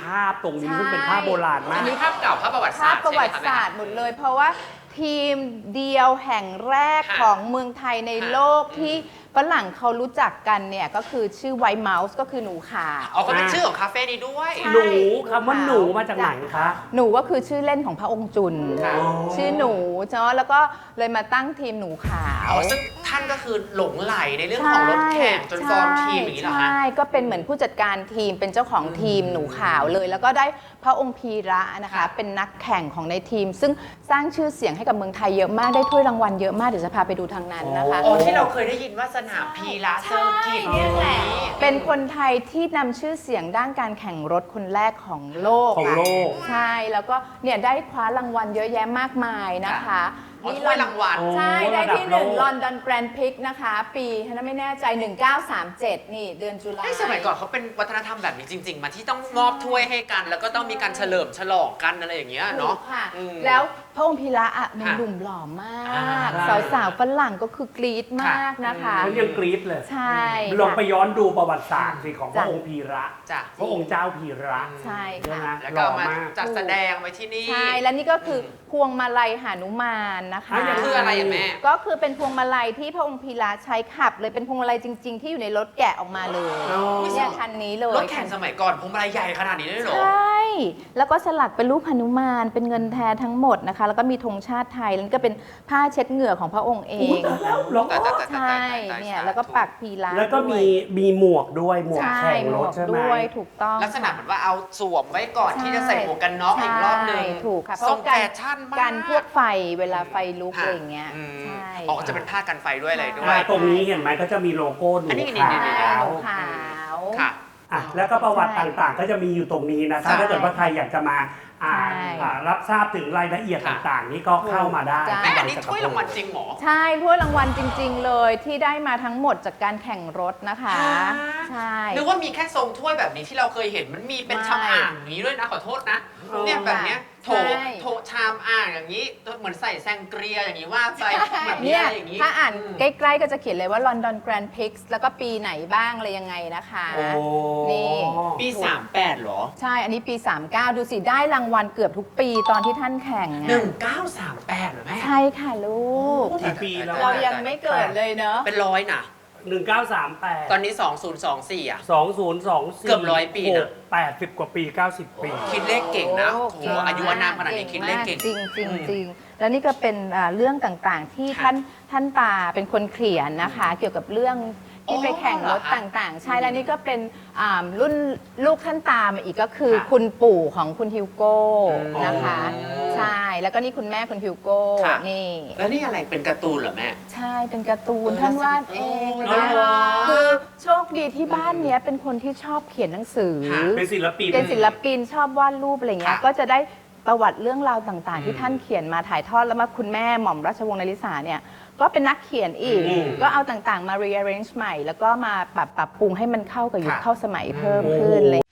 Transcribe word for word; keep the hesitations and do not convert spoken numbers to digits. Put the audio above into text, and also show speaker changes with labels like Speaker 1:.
Speaker 1: าพตรงนี้ซึ่งเป็นภาพโบราณมา
Speaker 2: อั
Speaker 1: ก
Speaker 2: นนี้ภาพเก่าภาพประวัติศา
Speaker 3: ภา
Speaker 2: ส
Speaker 3: พ
Speaker 2: ตร์
Speaker 3: ประวัติ
Speaker 2: ใช่ไหม
Speaker 3: ศา
Speaker 2: คะ
Speaker 3: สตร์หมดเลย เพราะว่าทีมเดียวแห่งแรก
Speaker 2: ค่ะ
Speaker 3: ของเมืองไทยใน
Speaker 2: ค่ะ
Speaker 3: โลกที่ฝรั่งเขารู้จักกันเนี่ยก็คือชื่อไวท์เมาส์ก็คือหนูขาว
Speaker 2: อ๋อก็เป็นชื่อของคาเฟ่นี้ด้วย
Speaker 3: ใช่
Speaker 1: หนูคำว่าหนูมาจากไหนคะ
Speaker 3: หนูก็คือชื่อเล่นของพระองค์จุน
Speaker 2: ค่ะ
Speaker 3: ชื่อหนูเนาะแล้วก็เลยมาตั้งทีมหนูขาว
Speaker 2: อ๋อซึ่งท่านก็คือหลงไหลในเรื่องของรถแข่งจนฟอร์มทีมอย่างนี้เหรอคะ
Speaker 3: ใช่ก็เป็นเหมือนผู้จัดการทีมเป็นเจ้าของทีมหนูขาวเลย แล้วก็ได้พระองค์พีระนะคะ
Speaker 2: ค่ะ
Speaker 3: เป็นนักแข่งของในทีม ซึ่งสร้างชื่อเสียงให้กับเมืองไทยเยอะมากได้ถ้วยรางวัลเยอะมากเดี๋ยวจะพาไปดูทางนั้นนะคะ
Speaker 2: อ๋อที่เราเคยได้ยินว่าสนามพีระเซอร์กิต
Speaker 3: ใช่เนี่ยแหละ
Speaker 2: นี้
Speaker 3: เป็นคนไทยที่นำชื่อเสียงด้านการแข่งรถคนแรกของโลก
Speaker 1: ของโลก
Speaker 3: ใช่แล้วก็เนี่ยได้คว้ารางวัลเยอะแยะมากมายนะคะ
Speaker 2: อ๋อถ้วยรางวัล
Speaker 3: ใช่
Speaker 1: โอ้
Speaker 3: ได้ที่
Speaker 1: ระดับ
Speaker 3: หนึ่ง
Speaker 1: โลก
Speaker 3: ลอนดอนแกรนด์พิกนะคะ ปีถ้าไม่แน่ใจ หนึ่งเก้าสามเจ็ด นี่เดือนตุลา
Speaker 2: ให้สมัยก่อนเขาเป็นวัฒนธรรมแบบนี้จริง ๆ มาที่ต้องมอบถ้วยให้กัน แล้วก็ต้องมีการเฉลิมฉลองกันอะไรอย่างเงี้ยเนาะ
Speaker 3: ถูกค่ะ
Speaker 2: อืม
Speaker 3: แล้วพระองค์พีระอ่ะหนุ่ม
Speaker 2: ค่ะ
Speaker 3: หนุ่มหล่อมาก
Speaker 2: อ่า
Speaker 3: สาวๆฝรั่งก็คือกรี๊ดมากนะคะ
Speaker 1: เขายังกรี๊ดเลย
Speaker 3: ใช่
Speaker 1: ลองไป
Speaker 3: ค่ะ
Speaker 1: ย้อนดูประวัติศาสตร์สิของพ
Speaker 3: จ้ะ
Speaker 1: ระองค์พีระ
Speaker 2: จ้ะ
Speaker 1: พระองค์เจ้าพีระ
Speaker 3: ใช่
Speaker 1: ใช่ไหม
Speaker 3: ค่ะ
Speaker 2: แล้ว
Speaker 1: ห
Speaker 2: ก็
Speaker 1: ล่อ
Speaker 2: มาม
Speaker 1: าก
Speaker 2: จัดแสดงไว้ที่นี่
Speaker 3: ใช่ และนี่ก็คืออพวงมาลัยหานุมานนะคะ
Speaker 1: อ่ะยัง
Speaker 2: คืออะไรอะแม่
Speaker 3: ก็คือเป็นพวงมาลัยที่พระองค์พีระใช้ขับเลยเป็นพวงมาลัยจริง ๆ ที่อยู่ในรถแกะออกมาเลย
Speaker 1: อ๋อ
Speaker 3: เนี่ยคันนี้เลย
Speaker 2: รถแข่งสมัยก่อนพวงมาลัยใหญ่ขนาดนี้เลยเหรอ
Speaker 3: ใช่ แล้วก็สลักเป็นรูปหนุมานเป็นเงินแท้ทั้งหมดนะคะ แล้วก็มีธงชาติไทยแล้วก็เป็นผ้าเช็ดเหงื่อของพระองค์เอ
Speaker 1: อุ๊ย
Speaker 3: ง
Speaker 1: ตายแล้วเหรอ
Speaker 2: แต่แต่แต่แต่
Speaker 3: ใช่
Speaker 2: แต่
Speaker 3: เนี่ยแล้วก็ปักพีระ
Speaker 1: แล้วก็มี
Speaker 3: ด้วย
Speaker 1: มีหมวกด้วยหมวก
Speaker 3: ใช่
Speaker 1: แข่ง
Speaker 3: หม
Speaker 1: ร
Speaker 3: ว
Speaker 1: ถ
Speaker 3: ก
Speaker 1: ใช่ไหม
Speaker 3: ด้วยถูกต้อง
Speaker 2: ลักษณะเหมือนว่าเอาสวมไว้ก่อน
Speaker 3: ใช่
Speaker 2: ที่จะใส่หมวกกันน็อกอีกรอบหนึง
Speaker 3: ใช่ถูกค่ะเพ
Speaker 2: ทร
Speaker 3: ราะ
Speaker 2: ง
Speaker 3: การ
Speaker 2: แฟชั่นมาก
Speaker 3: การพวกไฟเวลาไฟลุก
Speaker 2: ค่ะ
Speaker 3: อะไรอย่างเงี้ย
Speaker 2: อืม
Speaker 3: ใช่
Speaker 2: อ๋อจะเป็นผ้ากันไฟด้วยอะไรด้ว
Speaker 1: อ่าย ตรงนี้เห็นไหมก็จะมีโลโก้หนู
Speaker 2: อันนี้นี่
Speaker 1: ขา
Speaker 2: นี่
Speaker 3: ใช่
Speaker 1: ว
Speaker 3: หนูขาว
Speaker 2: ค่ะ
Speaker 1: อ่ะแล้วก็ประวัติ
Speaker 3: ใช่
Speaker 1: ต่างๆ ก็จะมีอยู่ตรงนี้นะคะ
Speaker 2: ใช่
Speaker 1: ถ้าเกิดว่าใครอยากจะมาอ่าน
Speaker 3: ใช่
Speaker 1: อ่ารับทราบถึงรายละเอียด
Speaker 2: ค่ะ
Speaker 1: ต่างๆ นี่ก็เข้ามาได้
Speaker 3: จ้ะ
Speaker 2: แม่
Speaker 1: ที่
Speaker 2: อันนี้
Speaker 1: บางจัก
Speaker 2: ถ้วยรางวัลจริงเหรอ
Speaker 3: ใช่ถ้วยรางวัลจริง ๆ เลยที่ได้มาทั้งหมดจากการแข่งรถนะคะ
Speaker 2: ฮะ
Speaker 3: ใช่
Speaker 2: นึกว่ามีแค่ทรงถ้วยแบบนี้ที่เราเคยเห็นมันมีเป็น
Speaker 3: ไม่
Speaker 2: ชามอ่างอย่างนี้ด้วยนะขอโทษนะ
Speaker 1: เออ
Speaker 2: เนี่ยแบบเนี้ยโถ
Speaker 3: ใช่
Speaker 2: โถชามอ่างอย่างนี้เหมือนใส่แซงเกรียอย่างนี้ว่าไปแบบนี้
Speaker 3: เนี่ย
Speaker 2: อะไรอย่างนี้
Speaker 3: ถ้าอ่าน
Speaker 2: ม
Speaker 3: ใกล้ๆก็จะเขียนเลยว่า London Grand Prix แล้วก็ปีไหนบ้างอะไรยังไงนะคะ
Speaker 1: โอ้
Speaker 3: นี่
Speaker 2: ปีสามแปดเหรอ
Speaker 3: ใช่ อันนี้ปี สามสิบเก้า ดูสิได้รางวัลเกือบทุกปีตอนที่ท่านแข่งอะ
Speaker 2: หนึ่งเก้าสามแปดเหรอแม่
Speaker 3: ใช่ค่ะลูก
Speaker 1: กี่ปีแล้ว
Speaker 3: เรายังไม่เกิดเลยเนอะ
Speaker 2: เป็นร้อยนะ
Speaker 1: หนึ่งเก้าสามแปด
Speaker 2: ตอนนี้สองศูนย์สองสี่อ่ะ
Speaker 1: สองศูนย์สองสี่
Speaker 2: เกือบร้อยปีนะ
Speaker 1: แปดสิบกว่าปีเก้าสิบปี
Speaker 2: คิดเลขเก่งนะ
Speaker 3: โอ้
Speaker 2: โอ้โหอายุอานามขนาดนี้คิดเลขเก่ง
Speaker 3: จริงจริง
Speaker 2: อืม
Speaker 3: จริงแล้วนี่ก็เป็นอ่าเรื่องต่างๆ ที่
Speaker 2: ค่ะ
Speaker 3: ท่านท่านตาเป็นคนเขียนนะคะ เกี่ยวกับเรื่องที่
Speaker 2: อ๋อ
Speaker 3: ไปแข่งรถ
Speaker 2: เหรอคะ
Speaker 3: ต่างๆ ใช่แล้วนี่ก็เป็นอ่ารุ่นลูกท่านตามาอีกก็คือ
Speaker 2: ค่ะ
Speaker 3: คุณปู่ของคุณฮิวโก้
Speaker 2: อืม
Speaker 3: นะคะ
Speaker 2: อ๋อ
Speaker 3: ใช่แล้วก็นี่คุณแม่คุณฮิวโก้
Speaker 2: ค่ะ
Speaker 3: นี่
Speaker 2: แล้วนี่อะไรเป็นการ์ตูนเหรอแม่
Speaker 3: ใช่เป็นการ์ตูน
Speaker 2: เออ
Speaker 3: ท่านวาดเอง
Speaker 2: อ๋อ
Speaker 3: นะ
Speaker 2: เหรอ
Speaker 3: คือโชคดีที่บ้านเนี้ยเป็นคนที่ชอบเขียนหนังสือ
Speaker 2: ค่ะ
Speaker 1: เป็นศิลปิน
Speaker 3: เป็นศิลปินชอบวาดรูปอะไรเงี้ย
Speaker 2: ค่ะ
Speaker 3: ก็จะได้ประวัติเรื่องราวต่างๆ ที่
Speaker 2: อืม
Speaker 3: ท่านเขียนมาถ่ายทอดแล้วมาคุณแม่หม่อมราชวงศ์นริษาเนี่ยก็เป็นนักเขียนอีก
Speaker 1: อืม
Speaker 3: ก็เอาต่างๆมา rearrange ใหม่ แล้วก็มาปรับปรับปรุงให้มันเข้ากับยุค
Speaker 2: ค่ะ
Speaker 3: เข้าสมัยเพิ่มขึ้นเลย